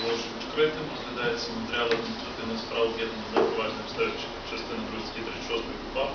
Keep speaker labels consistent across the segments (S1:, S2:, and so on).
S1: оголошую відкритим. Розглядається матеріал адміністративних справ об'єднаних за провадження обстежуючих частини 2 статті 36 КУпАП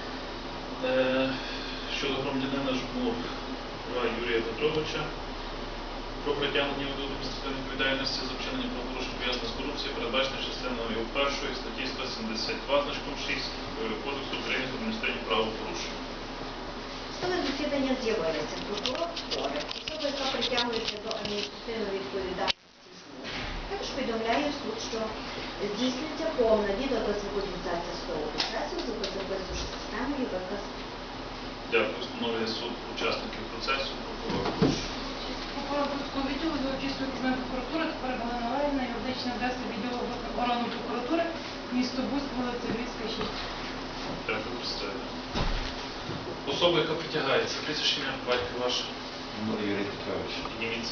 S1: щодо громадянина Жмур Юрія Петровича про притягнення до адміністративної відповідальності за вчинення правопорушень пов'язаних з корупцією, передбачених частиною 1 статті 172 значком 6 Кодексу України про адміністративні правопорушення.
S2: Судове засідання з'явилися прокурор Корик, особа, яка притягується до адміністративної відповідальності Жмур. Також повідомляє суд, що здійснюється повна відеодозвукофіксація судового процесу за безописною системою ВКС.
S1: Дякую. Встановлює суд учасників процесу. Прокурор, прошу.
S3: Прокурор Бродського відділу до Чистої окружної прокуратури тепер Галина Левівна, юридична адреса відділу органу прокуратури, місто Буськ, вулиця Львівська, 6.
S1: Дякую, представляю. Особа, яка притягається, прізвище ім'я, батько ваше.
S4: Жмур Юрій Петрович.
S1: Підніміться.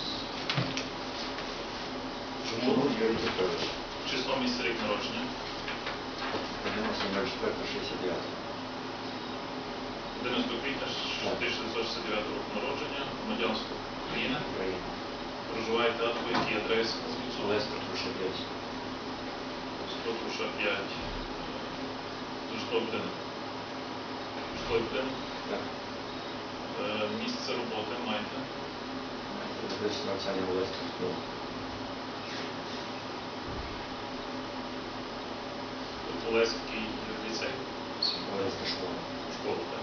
S4: Жмур Юрій Петрович.
S1: Число, місце, рік народження.
S4: 11.04.69.
S1: 11 квітня 1969 року народження. Громадянство України.
S4: Україна.
S1: Проживаєте по якій адресі?
S4: Олеська Труша 5.
S1: 100 Труша 5. Житловий будинок. Житловий будинок.
S4: Так.
S1: Місце роботи маєте?
S4: Десь навчання в Олеській школі.
S1: Олеський ліцей.
S4: Олеська школа.
S1: Школа, так.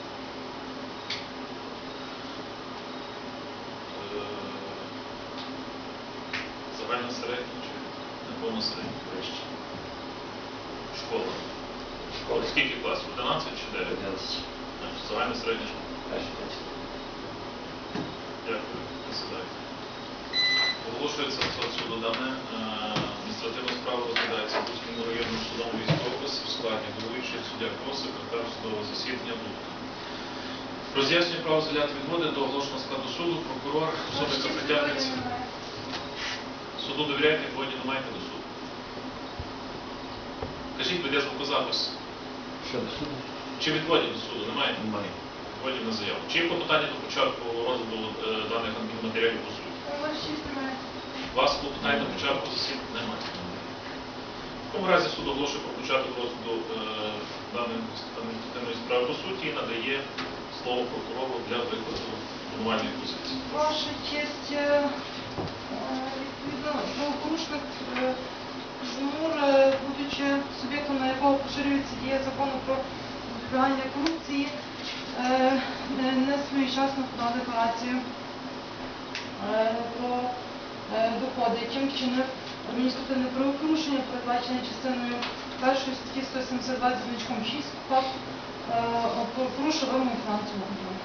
S1: Загальна середня чи неповна середня?
S4: Вище.
S1: Школа.
S4: Школа.
S1: Скільки класів? 11 чи 9?
S4: 11.
S1: Загальна середня школа.
S4: Перший клас.
S1: Дякую. Присідайте. Оголошується суду дане. Адміністративна справа розглядається Буським районним судом Львівської області в складі головуючий суддя Крос, секретар судового засідання Будка. Роз'яснює право звільняти відводи до оголошеного складу суду, прокурор, особа, яка притягнеться. Суду довіряєте, відводі не маєте до суду. Кажіть, веде звукозапис.
S4: Що до суду?
S1: Чи відводів до суду? Немає?
S4: Немає.
S1: Відводів на заяву. Чи є клопотання до початку розгляду даних матеріалів по суті? У вас клопотання до початку засідання немає. В такому разі суд оголошує про початок розгляду даної адміністративної справи по суті і надає слово прокурору для викладу обвинувальної позиції.
S3: Ваша честь, відповідно, правопорушник Жмур, будучи суб'єктом, на якого поширюється дія закону про запобігання корупції, не своєчасно подав декларацію про доходи, чим вчинив адміністративне правопорушення, передбачене частиною 1 статті 172 зі значком 6 КУпАП, порушив вимогу фінансового контролю.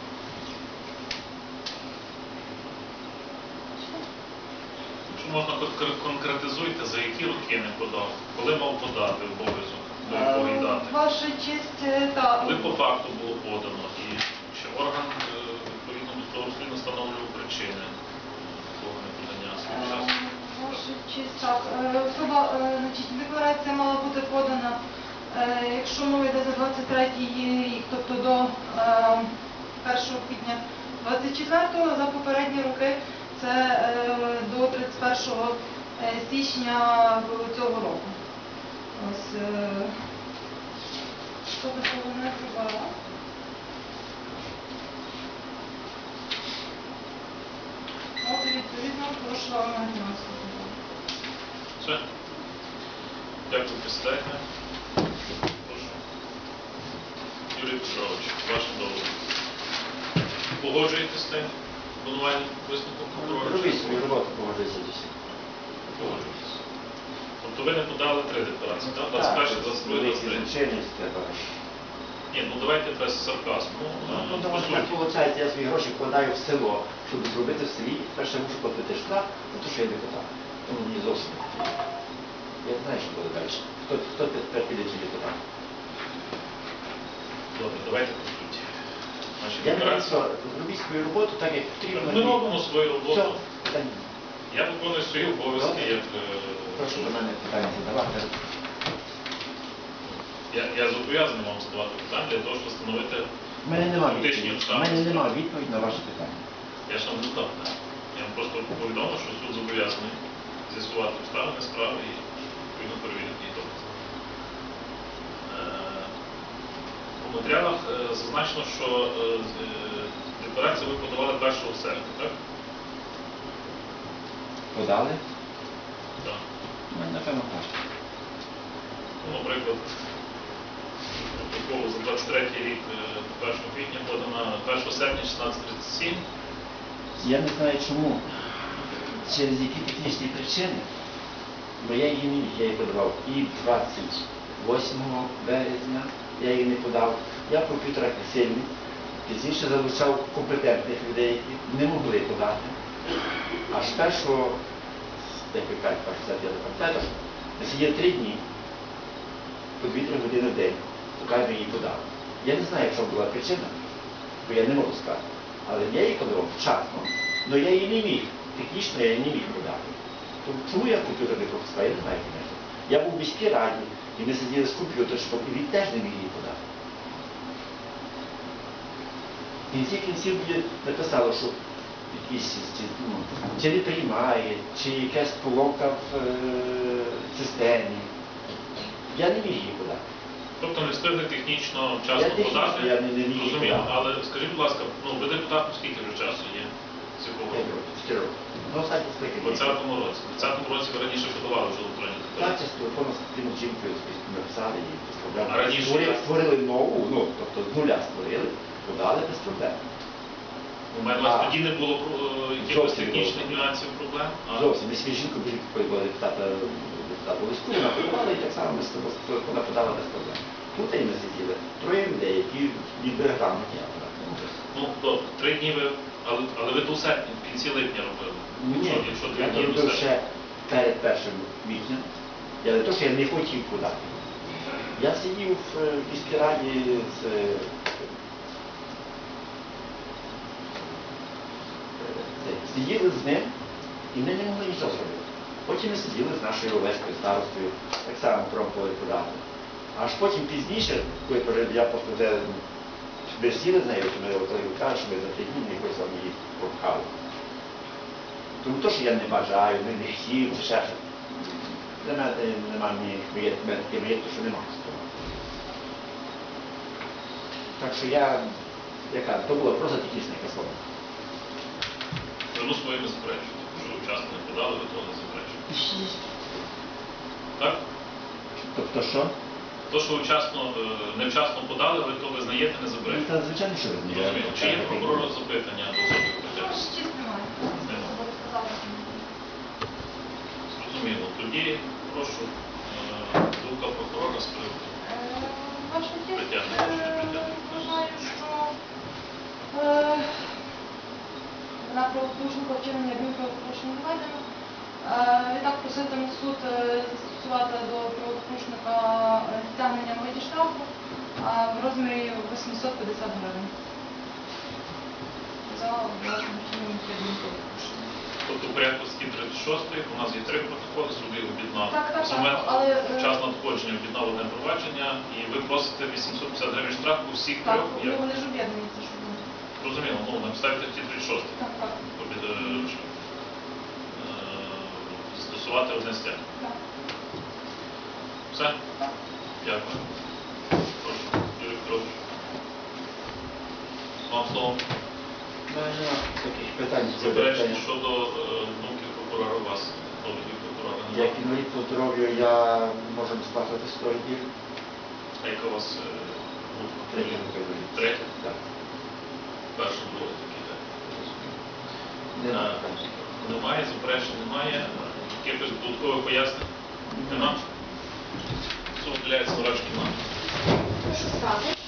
S1: Якщо можна, конкретизуйте, за які роки не подав, коли мав подати обов'язок, до якої дати.
S3: Ваша честь, так.
S1: Коли по факту було подано і що орган, відповідно до того розслідування, встановлював причини такого неподання своєчасно.
S3: Ваша честь, так. Декларація мала бути подана, якщо мова йде за 23-й рік, тобто до 1 квітня 24-го, за попередні роки це до 31 січня цього року. Ось, що такого не зробила. От, і відповідно, прошу вам на фінансову контролю.
S1: Все. Дякую, присідайте. Прошу. Юрій Петрович, ваше доводи. Погоджуєтесь з тим обвинувальним висновком прокурора?
S4: Робіть свою роботу, погоджуйся до всіх.
S1: Погоджуєтесь. Тобто ви не подали 3 декларації, так? 21, 22, 23.
S4: Звичайність треба.
S1: Ні, ну давайте без сарказму.
S4: Ну,
S1: По
S4: тому що так
S1: суті.
S4: виходить, я свої гроші вкладаю в село, щоб зробити в селі, перше мушу платити штраф за те, що я депутат. Тому мені зовсім не потрібно. Я не знаю, що буде далі. Хто тепер піде ці депутати?
S1: Добре, давайте по суті. Наші
S4: Я не знаю,
S1: декларації.
S4: що зробіть свою роботу так, як потрібно.
S1: Ми робимо свою
S4: Все,
S1: роботу.
S4: питань.
S1: Я виконую свої обов'язки як...
S4: Прошу до мене питання задавати.
S1: Я зобов'язаний вам задавати питання для того, щоб встановити
S4: У мене немає
S1: фактичні
S4: відповіді. У
S1: обставини.
S4: мене немає відповіді на ваше питання.
S1: Я ж вам задав. Я вам просто повідомив, що суд зобов'язаний в зв'язку з'ясувати обставини справи і відповідно перевірити її докази. У матеріалах зазначено, що декларацію ви подавали 1 серпня, так?
S4: Подали?
S1: Так.
S4: Ну, напевно, так.
S1: Ну, наприклад, протокол за 23 рік 1 квітня подана 1 серпня 16:37.
S4: Я не знаю чому, через які технічні причини, бо я її не міг, я її подавав і 28 березня, я її не подав. Я комп'ютер сильний, пізніше залучав компетентних людей, які не могли подати. Аж першого, як ви кажуть, я не пам'ятаю, ми сиділи 3 дні, по 2-3 години в день, поки ми її подали. Я не знаю, якщо була причина, бо я не можу сказати. Але я її подавав вчасно, але я її не міг. Технічно я її не міг подати. Тому чому я комп'ютер не пропускав, я не знаю, звісно. Я був в міській раді, і ми сиділи з комп'ютером, і він теж не міг її подати. В кінці кінців написало, що якісь, чи не приймає, чи якась поломка в системі. Я не міг її подати.
S1: Тобто не встигли технічно вчасно
S4: Я технічно,
S1: подати.
S4: я не міг
S1: Розуміло.
S4: подати.
S1: Але скажіть, будь ласка, ну ви депутатом скільки вже часу є? З якого року?
S4: 4 роки. Ну, останні
S1: У
S4: скільки?
S1: 20-му році. У 20-му році ви раніше подавали вже електронні
S4: Так,
S1: декларації.
S4: з телефону з тим жінкою написали і без проблем.
S1: А раніше як?
S4: Створили нову, ну, тобто з нуля створили, подали без проблем.
S1: У мене у вас
S4: А.
S1: тоді не було якихось
S4: Зовсім не
S1: технічних
S4: було.
S1: нюансів, проблем? А
S4: Зовсім. Ми свій жінку була депутата листу, вона подавала, і так само ми з тобою, вона подала без проблем. Тут і ми сиділи 3 людей, які ніби грамотні апарати.
S1: ну, то 3 дні ви, але ви до серпня, в кінці липня робили.
S4: Ні,
S1: Якщо 3
S4: я
S1: дні до
S4: робив
S1: серпня.
S4: ще перед 1 квітня. Я не то, що я не хотів подати. Я сидів в міській раді з сиділи з ним, і ми не могли нічого зробити. Потім ми сиділи з нашою Олешкою старостою, так само пробували подати. Аж потім пізніше, коли я просто вже ми сіли з нею, то ми кажуть, що ми за 3 дні якось вам її пропхали. Тому то, що я не бажаю, не хотів, чи ще щось. Для мене немає ніяких таких маєтку, що нема з того. Так що яка, то було просто технічне слово.
S1: Вину своїми заперечуєте. Що ви вчасно не подали, ви того не заперечуєте. Так?
S4: Тобто що?
S1: То, що ви невчасно подали, ви то визнаєте, не
S4: Ну,
S1: заперечуєте.
S4: та, звичайно, що ви
S1: Розумію. Чи є прокурора запитання до особи притягнення?
S3: Честь немає.
S1: Нема.
S3: Ви сказали, що немає.
S1: Зрозуміло. Тоді прошу думка прокурора з приводу.
S3: Ваша честь,
S1: Притягнення, чи не притягнення?
S3: вважаю, що на правопорушника вчинення адмінправопорушення не введено. Відтак проситиме суд застосувати до правопорушника стягнення в виді штрафу в розмірі 850 гривень за власним вчиненням адмінправопорушення.
S1: Тобто в порядку статті 36 у нас є 3 протоколи, суд їх об'єднав.
S3: Так,
S1: За момент
S3: але
S1: час надходження об'єднав одне провадження, і ви просите 850 гривень штрафу у всіх
S3: так,
S1: 3.
S3: вони ж об'єднані, це що вони.
S1: Розуміло, ну, на підставі статті 36.
S3: Так, так,
S1: Стосувати одне стягнення.
S3: так.
S1: Все? Дякую. Прошу, Юрій Петрович. Вам слово.
S4: У мене немає таких питань.
S1: Заперечення щодо думки прокурора у вас, довідки прокурора.
S4: Як інвалід по здоров'ю я можу сплачувати 100 років.
S1: А яка у вас група?
S4: Третя група інвалідів.
S1: Третя?
S4: Так.
S1: Перша, друга такі, так.
S4: Немає.
S1: Немає, заперечень немає. Якихось додаткових пояснень? Нема? Суд уделяється врачки нам.
S2: Прошу сказати.